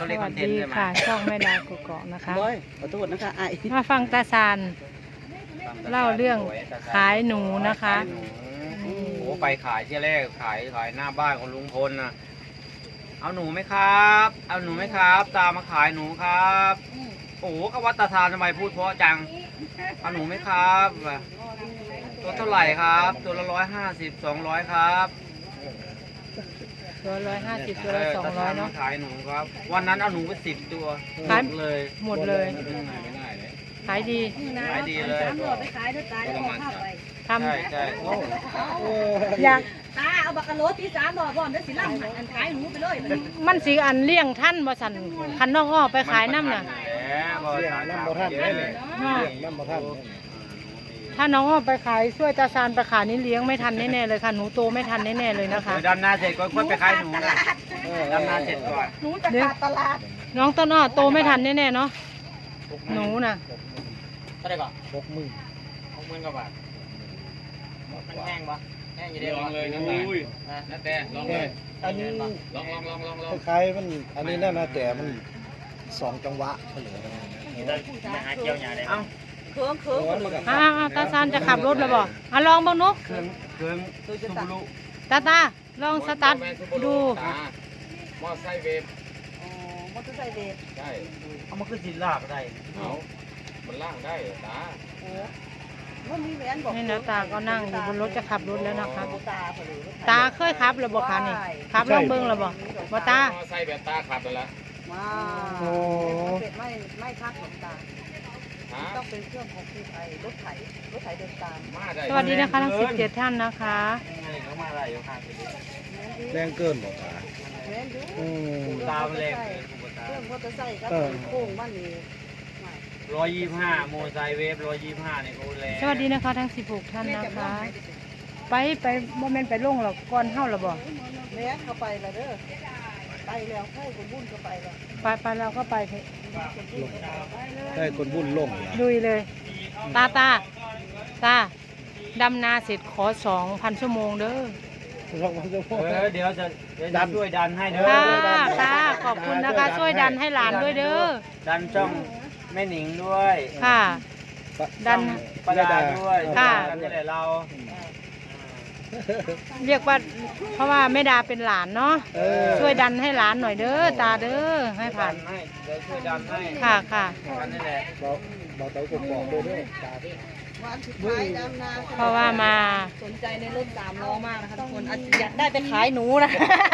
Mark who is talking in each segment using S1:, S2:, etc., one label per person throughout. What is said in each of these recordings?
S1: เขาเรียกคอนเทนต์ใช่ไหม
S2: ค่ะช่องแม่ดาวกกอกนะคะ
S3: บอยขอโทษนะคะไอ้
S2: มาฟังตาซานเล่าเรื่องขายหนูนะคะ
S1: โอ้โหไปขายที่แรกขายหน้าบ้านของลุงพลนะเอาหนูไหมครับ เอาหนูไหมครับ ตามมาขายหนูครับโอ้โหก็วัดตาทานทำไมพูดเพราะจังเอาหนูไหมครับตัวเท่าไหร่ครับตัวละ150 200ครับ
S2: ตัว150ตัวละ200เนาะ
S1: ขายหนูครับวันนั้นเอาหนูไป10 ตัวหมดเลย
S2: หมดเลยขายดี
S1: ขายดีเลย
S4: ไปขายด้วยตาแล้วเข้าไป
S2: ทำ
S1: ใช่ใช่
S2: อยาก
S4: ตาเอาบักกะโลที่3บ่บ่อนแล้วสิล่ำอันขายหนูไปเลย
S2: มันสีอันเลี้ยงท่านบ่สันคันน้องอ้อไปขายน้ำน่ะ
S1: เลี้ยงน้ำบ่ทันเลย
S5: น้ำบ่ทัน
S2: ถ้าน้องอ้อไปขายช่วยตาซานไปขายนี่เลี้ยงไม่ทันแน่ๆเลยค่ะหนูโตไม่ทันแน่ๆเลยนะคะ
S1: ดำนาเสร็จก็ค่อยไปขายหนูนะดำนาเสร็จก่อน
S4: หนูจะขาดตลาด
S2: น้องต้นอ้อโตไม่ทันแน่ๆเนาะหนูน่ะ
S1: เท่าไหร่ก่อน
S5: 60,000
S1: 60,000 กว่าบาทมันแห้งปะแห้งอยู่เดียว
S5: ลองเลยนะแต่ลองเลย
S3: อันนี้
S5: ลอง
S3: คล้ายๆมันอันนี้น่านะแต่มัน2 จังหวะเฉลย
S1: มาหาเกี่ยวหยาได้เอ้า
S4: เคืองเคือง
S2: ตาซานจะขับรถแล้วบ่ลองบ้างนุ๊ก
S1: เครื่องซูบูรุ
S2: ตาลองสตาร์ทดู
S5: มอไซค์เวฟ
S4: อ๋อมอเตอร์ไซค์เด็ก
S5: ใช่
S1: เอามาขึ้นสิลากได้
S5: เอามันล่างได้ตา
S4: โอ้มันมีแหวนบอก
S2: นี่นะตาก็นั่งอยู่บนรถจะขับรถแล้วนะคะ
S4: ตาเผลอ
S2: ตาเคยขับหรือบ่คะนี่ขับลองเบิ่งหรือบ่บ่ตาม
S5: อไซค์แบบตาขับไปแล้ว
S4: ว้าเป็ดไม่พักหลงตาต้องเป็นเครื่องของคือไอ้รถไถเดินตาม
S5: มาได้
S2: สวัสดีนะคะทั้ง17ท่านนะคะ
S1: เขามาอะไรอยู่ข้างนี้
S3: แรงเกินบ่ตา
S4: แหวนอยู่
S1: ตามเลข
S4: เครื่องมอเตอร์ไซค์ก็โค้งบ้านนี้
S1: 125โมไซเวฟ125เนี่ยเขาแรง
S2: สวัสดีนะคะทั้ง16ท่านนะคะ ไปบ่แม่นไปลงหรอกก่อนเฮาหรอบ่
S4: แม่เข้าไปแล้วเด้อไปแล้วให้คนบุญเข้าไปแล้ว
S2: ไปเราก็ไปเถอะ
S3: ได้คนบุญลง
S2: ลุยเลย ตาดำนาเสร็จขอ 2,000 ชั่วโมงเด้อ
S1: เดี๋ยวจะช่วยดันให้เด้อ
S2: ตาขอบคุณนะคะช่วยดันให้หลานด้วยเด้อ
S1: ดันช่องแม่หนิงด้วย
S2: ค่ะ ดัน
S1: ประดาด้วย
S2: ค่ะ
S1: ดันนี่แหละเรา
S2: เรียกว่าเพราะว่าแม่ดาเป็นหลานเนาะช่วยดันให้หลานหน่อยเด้อตาเด้อให้ผ่าน
S1: ให้เดี๋ยวช่วยดันให้
S2: ค่ะ
S1: กันนี่แหละ
S3: เราเต๋ากบอกด้วยตา
S4: วันสุดท้ายดำนา
S2: เพราะว่ามา
S4: สนใจในรถ3 ล้อมากนะคะทุกคนอยากได้ไปขายหนูนะ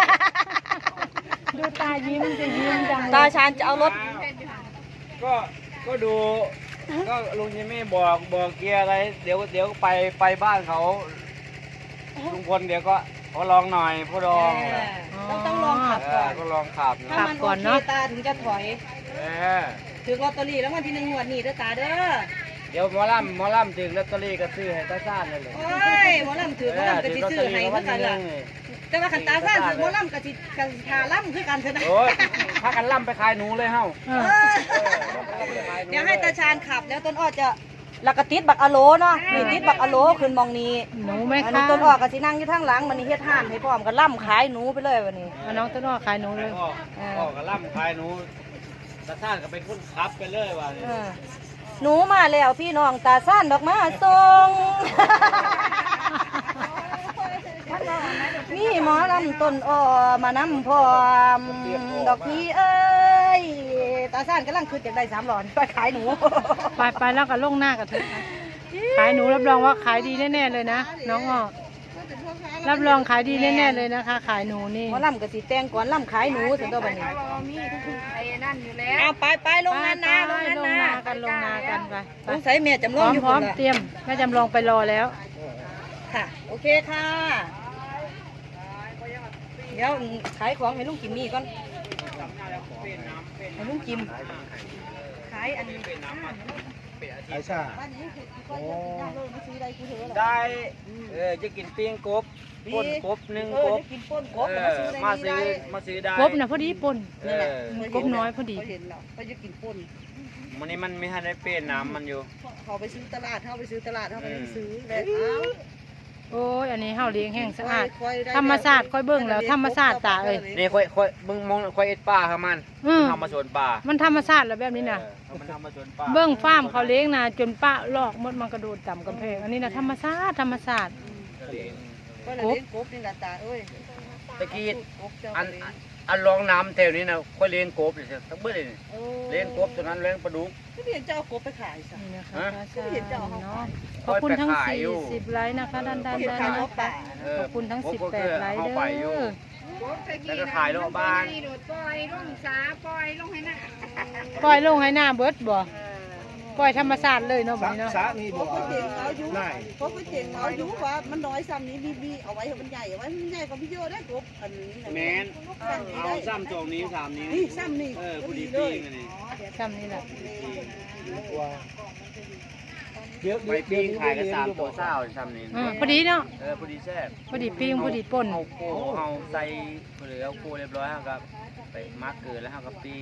S2: ดูตายิ้มจะยิ้มจัง
S4: ตาชาญจะเอารถ
S1: ก็ดูก็ลุงจิมมี่บอกเกียร์อะไรเดี๋ยวไปบ้านเขาลุงพลเดี๋ยวก็ขอลองหน่อยผู้รอง
S4: ต้องลองขับก่อน
S1: ก็ลองขับ
S4: ถ้ามันโอเคตาถึงจะถอย
S1: เออ
S4: ถือลอตเตอรี่แล้ววันที่1 งวดนี้เด้อตาเด้อ
S1: เดี๋ยวหมอลำถึงลอตเตอรี่ก็ซื้อให้ตาซ่านเลย
S4: โอ้ยหมอลำถือหมอลำก็สิซื้อให้เพื่อกันล่ะแต่ว่าขันตาซ่านถือหมอลำก็สิกันทาล่ำคือกันเถอะนะ
S1: โอ้ยถ้ากันล่ำไปขายหนูเลยเฮ้า
S4: เดี๋ยวให้ตาชาญขับแล้วต้นอ้อจะแล้วก็ติดบักอะโลเนาะนี่ติดบักอะโลขึ้นมองนี้
S2: หนูไหม
S4: อัน
S2: คะ
S4: นี้ต้นอ้อก็สินั่งอยู่ทางหลังมันนี่เฮ็ดห้านให้พร้อมก็ล่ำขายหนูไปเลยวันนี้
S2: เอาน้องต้นอ้อขายหนูเลย
S1: พ่อก็ล่ำขายหนูตาซ่านก็เป็นคนขับไปเลยว่ะ
S4: หนูมาแล้วพี่น้องตาซ่านดอกมาส่ง มีหมอลำต้นอ้อมานำพร้อมดอกพี่เอ้ยตาซ่านกำลังคือจะได้3 หลอดไปขายหนู
S2: ไปแล้วก็ลงหน้ากับเธอขายหนูรับรองว่าขายดีแน่ๆเลยนะน้องอ้อรับรองขายดีแน่ๆเลยนะคะ ขายหนูนี่
S4: หมอลำกับสีแตงก่อนลำขายหนูสันตัวบันนี้เอาไปลงงานนาลงงาน
S2: ลง
S4: นา
S2: นากันลงนากันไป
S4: สงสัยแม่จำ
S2: พ
S4: ล
S2: ร้
S4: อ
S2: อง ม
S4: อยู่
S2: พร้อม
S4: คนละ
S2: เตรียมแม่จำลองไปรอแล้ว
S4: ค่ะโอเคค่ะเดี๋ยวขายของให้ลุงกิมมี่ก่อนให้ลุงกิมขายอันนี้
S3: ไอ้ชา
S4: บ้านนี้คือก็เยอะกินยากเลยมาซื้อได้กูเถอะ
S1: ได้จะกินปิ้งกบป่นกบ1 กบ
S4: กินป่นกบมาซื้อได้
S1: มาซื้อได้
S2: กบน่ะพอดีป่น
S4: นี่แหละ
S2: กบน้อยพอดี
S4: เขาเห็นแล้วเขาจะกินป่น
S1: วันนี้มันไม่ทันได้เป็นน้ำมันอยู่
S4: เขาไปซื้อตลาดเขาไปซื้อตลาดเขาไปซื้อแล้วเอา
S2: โอ้ยอันนี้เฮาเลี้ยงแห้งสะอาดธรรมชาติค่อยเบิ่งแล้วธรรมชาติตาเอ้ย
S1: นี่ค่อยมึงมองค่อยเอ็ดป่าครับมัน
S2: อืม
S1: ทำมาสวนป่า
S2: มันธรรมชาติแล้วแบบนี้น่ะ
S1: มันทำมาสวนป่า
S2: เบิ่งฟาร์มเขาเลี้ยงนะจนป้าลอกหมดมันกระโดดต่ำกำแพงอันนี้นะธรรมชาติธรรมชาติ
S4: ก็เลยเลี้ยงกบนี่ล่ะตาเอ้ย
S1: ตะกี้
S4: กบเจ้า
S1: อัน
S4: เลี้ยง
S1: อันรองน้ำแถวนี้นะค่อยเลี้ยงกบเลยทั้งเบิดเลยนี่เลี้ยงกบตัวนั้นเลี้ยงปลาดุก
S4: ก็เห็นเจ้าเอากบไปขายซะ
S2: นี่นะคะ
S1: ฮะ
S2: พระชาเนาะข
S1: ค่
S2: อ
S1: อบ ย
S2: คุณทั้ง
S1: ไปขายอยู่
S2: 40ไลค์นะคะด้าน
S4: เห็น
S2: ๆ
S4: ขาย
S2: นะ
S4: กบป่า
S2: ขอบคุณทั้ง
S1: ผมก็
S2: 18ไลค์
S1: เข้า
S2: เด้
S1: ไปอยู่
S2: อ
S1: แล้วก็ขายรอบบ้าน
S2: ปล่อยลงให้หน้าเบิดบ่ปล่อยธรรมชาติเลยเนาะแบบนี้เนาะ
S3: สามี
S4: เพ
S3: บ่
S4: ราะเขาเจ๋งเขาอยู่
S3: นาย
S4: เพราะเขาเจ๋งเขาอยู่ว่ามันน้อยซ้ำนี้บีเอาไว้ให้มันใหญ่เอาไว้ให้มันใหญ่กว่าพี่โยได้กบอันนี้นะ
S1: แมน
S4: ซ้ำนี้
S1: เอา
S4: ได้
S1: ซ้ำจองนี้3นิ้ว
S4: นี่ซ้ำนี่
S1: พอดี
S4: เล
S1: ปี
S4: ย
S1: งอันนี้
S2: ซ้ำนี่แหละ
S3: ว่าเดี๋ยว
S1: ไปปีงขายกัน3ตัวเศร้าซ้ำนี้
S2: พอดีเนาะ
S1: พอดีแซ่บ
S2: พอดีปิ้งพอดีป่น
S1: เอาโก้เอาใส่หรือเอาโก้เรียบร้อยครับไปมักเกินแล้วครับปิ้ง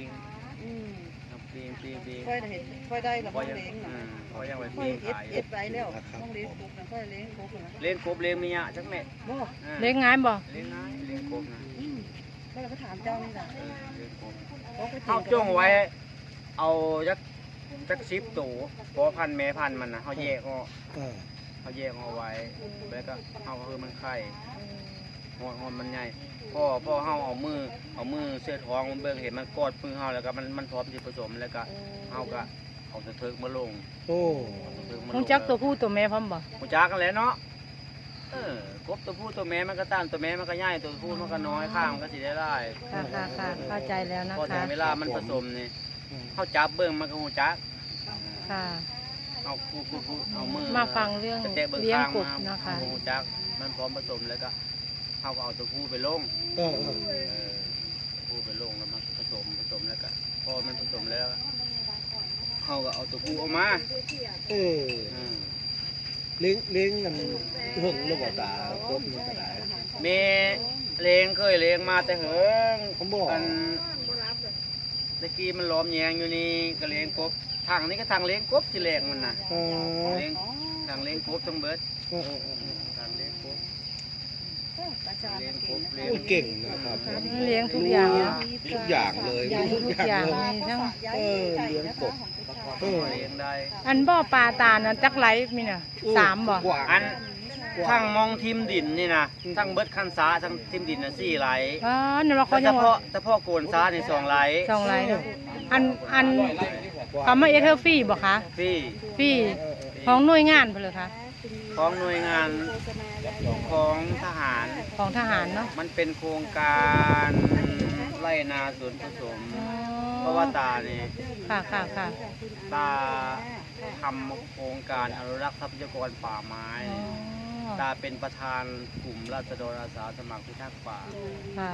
S1: ปิ้ง
S4: ค่อยเห็นค่อยได้หรอ
S1: พอ
S4: น้อง
S1: ยัง
S4: เล้งนะ
S1: พอยังไป
S4: ค่อย
S1: ปิ้ง
S4: เอ็ด
S1: ขาย
S4: ไปแล้วน้องเล้งกบนะค่อยเล้งกบนะ
S1: เลี้ยงกบเลี้ยงเมียจักแม่
S4: บ่
S2: เลี้ยงง่ายบ่
S1: เลี้ยงง่ายเลี้ยงกบนะ
S4: ก็เลยก็ถามเจ้านี่แหละ
S1: เลี้ยงกบ
S4: เขาก็
S1: เขาจ้งไว้ เอาจัก10ตัวพอพันแม่พันมันนะเขาแยกออก
S3: เออ
S1: เขาแยกเอาไว้แล้วก็เอาคือมันไข่หอนมันใหญ่พ่อเฮาเอามือเสื้อท้องมันเบิ่งเห็นมันกอดมือเฮาแล้วก็มันพร้อมที่ผสมแล้วก็เฮาก็เอาตะเทิกมาลง
S3: โอ้
S2: คงจักตัวผู้ตัวแม่พร้อมบ่
S1: หูจักกันแหล้วเนาะกบตัวผู้ตัวแม่มันก็ตั้นตัวแม่มันก็ใหญ่ตัวผู้มันก็น้อยข้างมันก็สิได้หลาย
S2: ค่ะเข้าใจแล้วนะ
S1: พอถึ
S2: คะ
S1: งเวลามันผสมนี่เฮาจับเบิ่งมันก็หูจัก
S2: ค่ะ
S1: เอาคู่เอามือ
S2: มาฟังเรื่อง
S1: กะแตะบิ่
S2: เลี้ยง
S1: ข้าก
S2: บนะคะ
S1: เอาหูจักมันพร้อมผสมแล้วก็เฮาก็เอาตัวผู้ไปลง
S3: เออ
S1: ผู้ไปลงแล้วมันผสมแล้วก็พอมันผสมแล้วเขาก็เอาตัวผู้ออกมา
S3: เออเลี้ยงกันหึงหรือบ่ตาครบนี่ก็ได้
S1: เมเลี้ยงเคยเลี้ยงมาแต่เหิง
S3: ผมบอก
S1: อันตะกี้มันล้อมแยงอยู่นี่ก็เลี้ยงกบทางนี้ก็ทางเลี้ยงกบที่แรงมันน่ะ
S3: เออ
S1: เลี้ยงทางเลี้ยงกบต้องเบิด
S3: เออ
S1: ทางเลี้ยงกบเลี้ยงกบเลี้ย
S3: โอ้
S1: ง
S3: เก่งนะครับ
S2: เลี้ยงทุกอย่างนะ
S3: ทุกอย่างเลย
S2: ทุกอย่างมีทั้ง
S3: เออเลี้ยงกบ
S1: เลี้ยงได้
S2: อันบ่อปลาตาลน่ะจักไหลมีน่ะ3บ่
S3: กว้าง
S1: อันทั้งมองทิมดินนี่นะทั้งเบิดคันสาทั้งทิมดินน่ะ4ไหล
S2: อ๋อนั่นว่าเขา
S1: เฉ
S2: ยังว่า
S1: พาะโกนสานี่2ไหล
S2: 2ไหลเนาะอันเขามาเอเธอร์ฟรีบ่คะ
S1: พี่
S2: ฟรีของหน่วยงานเพิ่นเหรอคะ
S1: ของหน่วยงานของทหาร
S2: ของทหารเนาะ
S1: มันเป็นโครงการไร่นาสวนผสม เพราะว่าตาเนี่ย
S2: ค่ะ
S1: ตาทำโครงการอนุรักษ์ทรัพยากรป่าไม้
S2: อ๋อ
S1: ตาเป็นประธานกลุ่มราษฎรอาสาสมัครพิทักษ์ป่า
S2: ค่ะ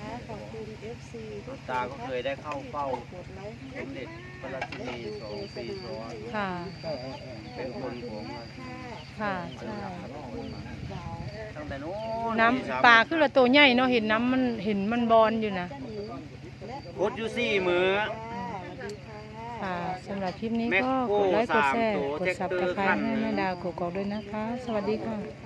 S1: ตาก็เคยได้เข้าเฝ้าสมเด็จพระราชินี2 ปีซ้อน
S2: ค่ะ
S1: เป็นคนของ
S2: ค่ะใช่
S1: ตั้งแต่นู้น
S2: น้ำปลาคือละตัวใหญ่เนาะเห็นน้ำมันเห็นมันบอนอยู่นะ
S1: พุดอยู่4 มื้อ
S2: ค่ะสำหรับคลิปนี้
S1: แม็ก
S2: ก็
S1: โก้
S2: กดไลค์กดแชร์
S1: 3
S2: กดซับสไครต์ให้แม่ดาวกกอกด้วยนะคะ สวัสดีค่ะ